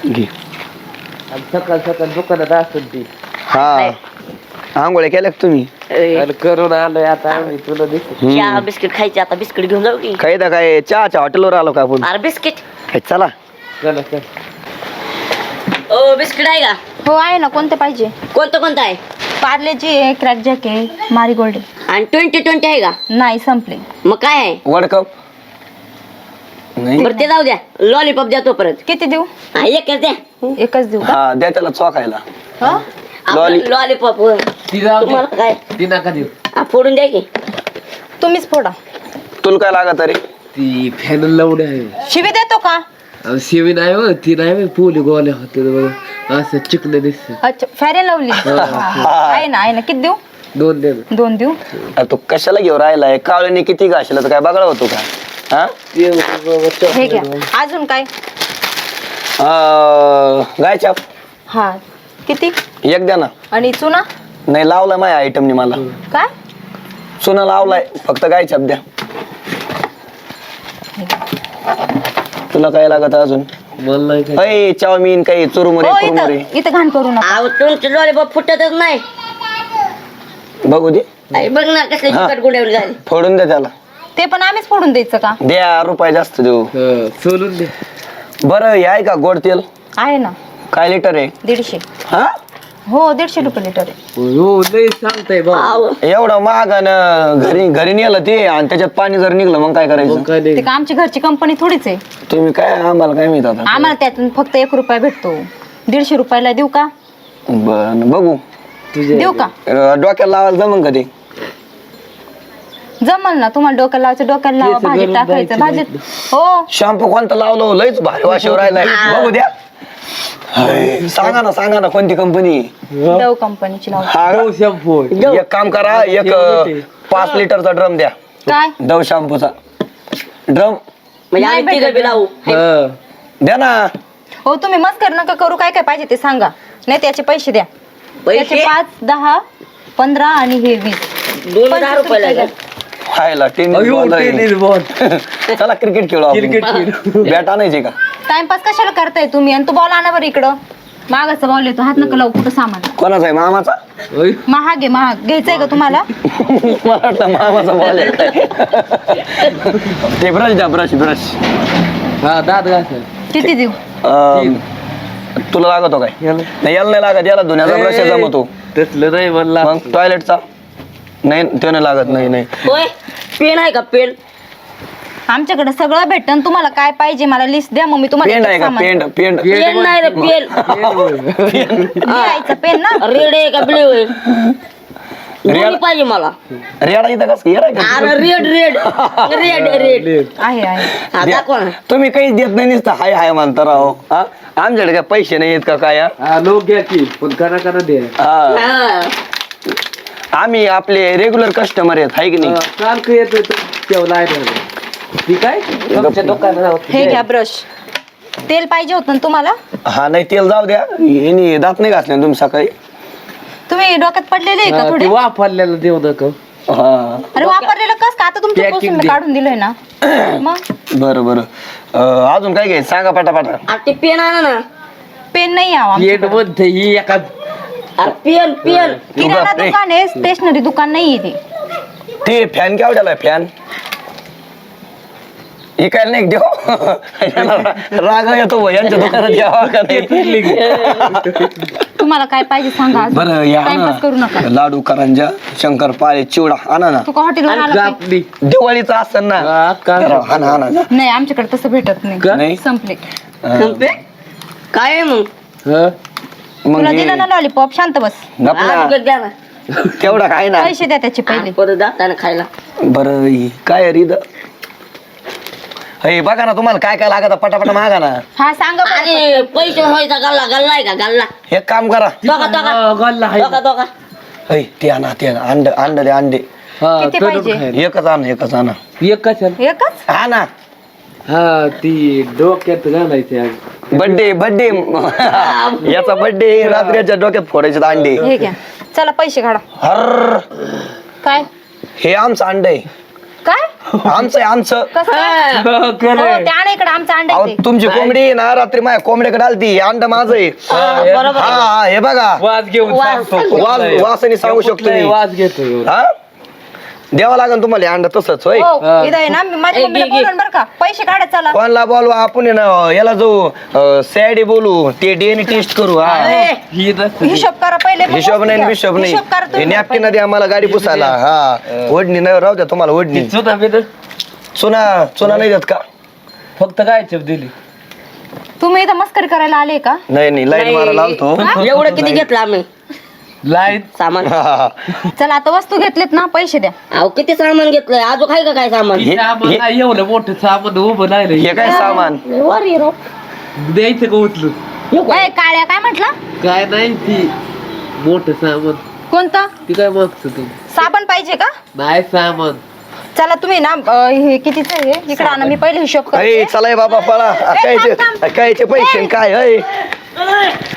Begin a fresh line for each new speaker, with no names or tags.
घे.
सकाळ सकाळ दुकानात असेल ती.
हा आंघोळ्या केल्या का तुम्ही?
आणि करून आलोय आता आम्ही तुला दिसत.
चहा बिस्किट खायचे आता बिस्किट घेऊन जाऊ की.
काही काय चहाच्या हॉटेलवर आलो का आपण?
अरे बिस्किट.
चला
चला चल.
ओ बिस्किट आहे का?
हो आहे ना. कोणते पाहिजे?
कोणतं आहे?
पार्लेची आहे, क्रॅक जॅक आहे, मारीगोल्ड आहे.
आणि 20 आहे का?
नाही संपले.
मग काय आहे?
वर्ल्ड कप नाही.
बरं ते जाऊ द्या. लॉलीपॉप द्या तोपर्यंत.
किती देऊ?
हा एकच द्या.
एकच देऊ का?
हा द्या त्याला चोखायला.
हो
लॉलीपॉप.
ती जाऊ
तुम्हाला
दे.
काय?
ती नका देऊ.
फोडून द्या की.
तुम्हीच फोडा.
तुला काय लागत रे?
ती फॅन लावली आहे.
शिवी देतो का?
शिवी नाही हो, ती नाही होय, पोली गोल्या होते बघा असं चिकन दिसत.
अच्छा फॅरेन लावली आहे ना. आहे ना. किती देऊ?
2 दे ना.
2 देऊ.
अरे तू कशाला घेऊन राहिलाय? काळूने किती घासला तर काय बघायला होतो का? हा
हे घ्या. अजून काय?
गाय चाप
हा किती?
एक द्या ना.
आणि चुना?
नाही लावलाय माझ्या आयटमनी मला.
काय?
चुना लावलाय फक्त गाय चाप द्या. तुला काय लागत अजून?
मला नाही काय.
अय चाऊमिन काही चुरमुरे
हो
कुरमुरे
इथं घाण करू नका.
अहो तुमचे लॉलीपॉप फुटतच नाही.
बघू दे.
अरे बघ ना कसले चिकट गुंडावली झाली.
फोडून द्या त्याला.
ते पण आम्हीच फोडून द्यायचं का?
द्या रुपये जास्त देऊ.
सोलून दे.
बरं हे आहे का गोड तेल?
आहे ना.
काय लिटर आहे?
150.
हा
हो 150 रुपये लिटर आहे.
हो नाही सांगताय बा.
अहो,
एवढं महाग आणि घरी नेलं ते आणि त्याच्यात पाणी जर निघलं मग काय करायचं?
काय
ते
नाही.
का आमची घरची कंपनी थोडीच आहे.
तुम्ही काय आम्हाला काय माहित आता?
आम्हाला त्यातून फक्त 1 रुपया भेटतो. 150 रुपयाला देऊ का?
बरं बघू.
तुझे
देऊ का?
डोक्याला लावायला जमन का ते?
जमल ना. तुम्हाला डोक्याला लावायचं डोक्याला लावा.
केस
भाजीत
गरम
टाकायचं
जायचे
भाजीत. हो
शॅम्पू कोणता लावलं? लयच भारी वाशेवर राहिलाय. बघू द्या. हाय, सांगा ना कोणती कंपनी?
डव कंपनीची लावा.
हा
शॅम्पू.
एक काम करा, एक 5 लिटरचा ड्रम द्या.
काय?
डव शॅम्पूचा ड्रम
म्हणजे आम्ही
नाही
तिघं बी लावू.
द्या ना.
हो तुम्ही मस्कर नका करू. काय काय पाहिजे ते सांगा. नाही त्याचे पैसे द्या. त्याचे
पैसे
5, 10, 15 आणि हे 20.
2000 रुपयाला द्या.
खायला टेनिस बॉल. चला क्रिकेट खेळू आपण.
क्रिकेट
बॅट आणायची का?
टाइमपास कशाला करताय तुम्ही? आणि तो बॉल आणा बरं इकडं. मागाचा बॉल येतो. हात नका लावू कुठं सामान.
कोणाचा आहे? मामाचा?
महाग आहे महाग. घ्यायचंय का तुम्हाला?
मला वाटतं मामाचा बॉल आहे. ते ब्रश द्या. ब्रश
हा दात घास.
किती देऊ?
तुला लागतो काय? नाही याला नाही लागत. याला धुण्याचा ब्रश जमतो.
तसलं नाही म्हणला.
मग टॉयलेटचा नाही तो नाही लागत. नाही
होय पेन आहे का पेन?
आमच्याकडे सगळं भेटतं. तुम्हाला काय पाहिजे मला लिस्ट द्या. मग मी तुम्हाला
पेंड आहे का? पेंड
पेन नाही रे पेन.
लिहायचं पेन ना.
रेड आहे का ब्ल्यू आहे? दोन्ही पाहिजे मला.
रेडा इथं कसं येणार का?
अरे रेड रेड रेड
आहे आहे.
हा दाखवा ना.
तुम्ही काहीच देत नाही नुसतं हाय हाय म्हणता राहो. हा आमच्याकडे काय पैसे नाही आहेत का काय?
हा लोक घ्या की पण करा दे.
हा
हा.
आम्ही आपले रेग्युलर कस्टमर आहेत हाय की नाही?
सारखं येतोय तेवढा आहे. ठीक आहे तुमच्या दुकानात.
हे घ्या ब्रश. तेल पाहिजे होतं ना तुम्हाला?
हा नाही तेल जाऊ द्या. यांनी दात नाही घासले ना तुम्ही सकाळी?
तुम्ही डोक्यात पडलेले आहे का थोडे?
वापरलेलं देऊ नका.
हा
अरे वापरलेलं कस का? आता तुमच्या
Packing
पासून
दे.
काढून दिलंय ना. मग
बरं अजून काय घ्यायचं सांगा पटापटा.
अरे ते पेन आणा ना.
पेन नाही यावं
पेट
आमच्याकडं.
मध्ये ही एका
अरे पेन पेन.
किराणा
उगा, ए.
दुकान आहे. स्टेशनरी दुकान नाहीये ते.
ते फॅन केवढ्याला फॅन? इकायला नाही देऊ. राग येतो भाऊ, यांच्या दुकानात घ्यावा का नाही?
तुम्हाला काय पाहिजे सांगा.
बरं या
टाइमपास करू नका.
ना लाडू करंजा शंकरपाळे चिवडा आणा ना.
तू का हॉटेलवर आला काय?
कापली.
दिवाळीचं असतं ना. आणा
नाही आमच्याकडे तसं भेटत
नाही?
नाही. संपले.
संपे? काय आहे मग?
मग
तुला
हे
दिलं ना लॉलीपॉप. शांत बस.
गपला.
हा, बिकट द्या ना.
तेवढा काय ना.
पैसे द्या त्याचे पहिले.
परत जाताना खायला.
बरं काय रीद हे बघा ना तुम्हाला काय काय लागत पटापटा मागा ना.
हा सांगा बरं.
अरे पैसे व्हायचा गल्ला गल्ला आहे का गल्ला?
एक काम करा.
दोघा दोघा
हे ते आणा अंड दे अंडे.
किती पाहिजे?
एकच आणा.
एकच
एकच?
हा ना.
हा ती डोक्यात घालायचे.
बर्थडे याचा बर्थडे रात्रीच्या डोक्यात फोडायचे अंडे.
हे घ्या. चला पैसे काढा.
हर
काय?
हे आमचं अंड आहे.
काय
आमचं आहे, आमचं.
कसं काय? हो, ते आणा इकडे आमचं अंडा
अहो
आहे ते.
तुमची कोंबडी आहे ना रात्री माझ्या कोंबड्याकडे आलती अंड माझं आहे.
बरोबर
हा हा, हे बघा
वाज घेऊन सांगतो.
वासनी सांगू शकतो
कुठलाही
मी.
वाज घेतो
हा द्यावं लागेल तुम्हाला अंड तसंच होय.
हो इथं आहे ना मी माझ्या मम्मीला बोलून बरं का पैसे काढत चला
कोणला बोलवा आपण आहे ना याला जाऊ सॅडी बोलू ते डीएनए टेस्ट करू. हा
ही नसते.
हिशोब करा पहिले मग
हिशोब
वस्तू
नाही
द्या.
हिशोब
हिशोब करा
नाही
तुम्ही
नॅपकिन दे आम्हाला गाडी पुसायला. हा ओढणी नाही राहू द्या तुम्हाला ओढणी.
चुना बिना
चुना चुना नाही देत का?
फक्त काय चप दिली.
तुम्ही इथं मस्करी करायला आले का
नाही नाही लाईन मारायला आलतो.
एवढं किती घेतलं आम्ही
लाईन
सामान
चला आता वस्तू घेतलेत ना पैसे द्या.
अहो किती सामान घेतलंय अजून काय का काय सामान
सामान नाही एवढं मोठं सामान उभं नाही
हे काय सामान
वर ये रो.
द्यायचं का उचलून.
ओय, काळ्या काय म्हटलं
काय नाही ती मोठं सामान
कोणतं
ती काय मागतो तू.
साबण पाहिजे का
नाही सामान
चला तुम्ही ना हे कितीच आहे इकडे आणा मी पहिले हिशोब
अय
करते
चला बाबा पळा कायचे पैसे काय अय